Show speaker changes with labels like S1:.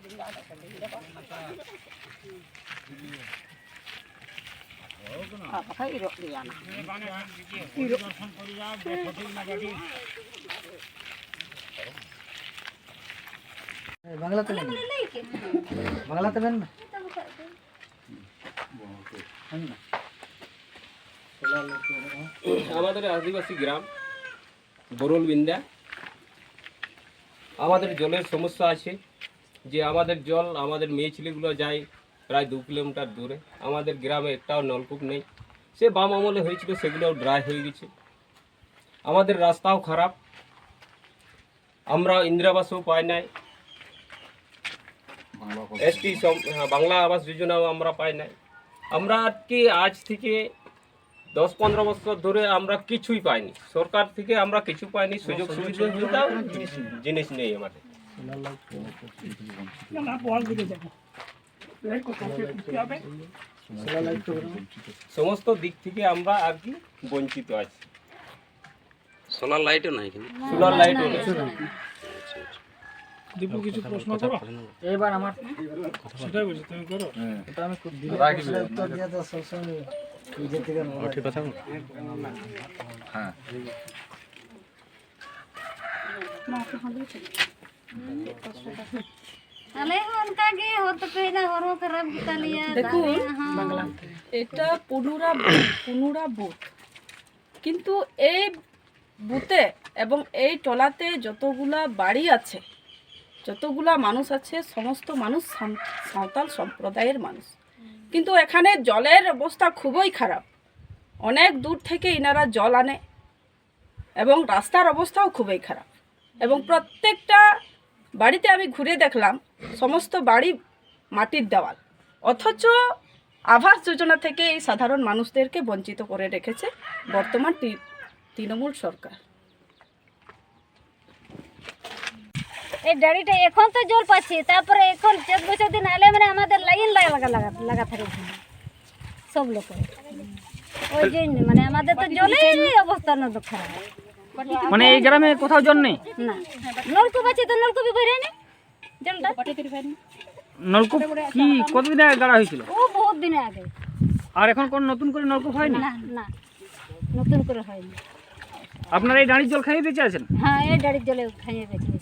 S1: বাংলাতে বাংলাতে বেন না
S2: আমাদের আদিবাসী গ্রাম বরুলবিন্দা। আমাদের জলের সমস্যা আছে, যে আমাদের জল আমাদের মেয়ে ছেলেগুলো যায় প্রায় 2 কিলোমিটার দূরে। আমাদের গ্রামে একটাও নলকূপ নেই, সে বাম আমলে হয়েছিল, সেগুলোও ড্রাই হয়ে গেছে। আমাদের রাস্তাও খারাপ, আমরা ইন্দিরাবাসও পাই নাই, এসটি বাংলা আবাস যোজনাও আমরা পাই নাই। আমরা কি আজ থেকে 10-15 বছর ধরে আমরা কিছুই পাইনি, সরকার থেকে আমরা কিছু পাইনি, সুযোগ সুবিধা জিনিস নেই আমাদের। সমস্ত দিক থেকে আমরা আর কি বঞ্চিত আছি।
S3: সোলার লাইটও নাই,
S2: সোলার লাইটও নেই।
S4: দীপু কিছু প্রশ্ন করো
S1: এবার আমার
S4: সেটাই বলছি, তুমি করো।
S1: এটা আমি খুব উত্তর দিয়ে তো সবসময় নিজে থেকে ঠিক কথা। হ্যাঁ
S5: দেখুন, এটা পুনুরা বুথ, কিন্তু এই বুথে এবং এই টলাতে যতগুলা বাড়ি আছে, যতগুলা মানুষ আছে, সমস্ত মানুষ সাঁওতাল সম্প্রদায়ের মানুষ। কিন্তু এখানে জলের অবস্থা খুবই খারাপ, অনেক দূর থেকে ইনারা জল আনে এবং রাস্তার অবস্থাও খুবই খারাপ। এবং প্রত্যেকটা বাড়িতে আমি ঘুরে দেখলাম সমস্ত বাড়ি মাটির দেওয়াল, অথচ আবাস যোজনা থেকে এই সাধারণ মানুষদেরকে বঞ্চিত করে রেখেছে বর্তমান তৃণমূল সরকার।
S6: এই ডাড়িটা এখন তো জল পাচ্ছি, তারপরে এখন 4 বছর দিন আলে মানে আমাদের লাইন লাগা থাকে সব লোক। ওই জন্য মানে আমাদের তো জলের অবস্থা না তো খারাপ।
S1: মানে এই গ্রামে কোথাও জল নেই
S6: না, নলকূপ আছে তো নলকূপই বেরোয় না জলটা।
S1: নলকূপ কি কতদিন আগে গাড়া হয়েছিল?
S6: ও বহুত দিন আগে।
S1: আর এখন কোন নতুন করে নলকূপ হয়নি?
S6: না না, নতুন করে হয়নি।
S1: আপনারা এই ডাঁড়ির জল খাইয়ে বেঁচে আছেন?
S6: হ্যাঁ, এই ডাড়ির জলে খাইয়ে বেঁচে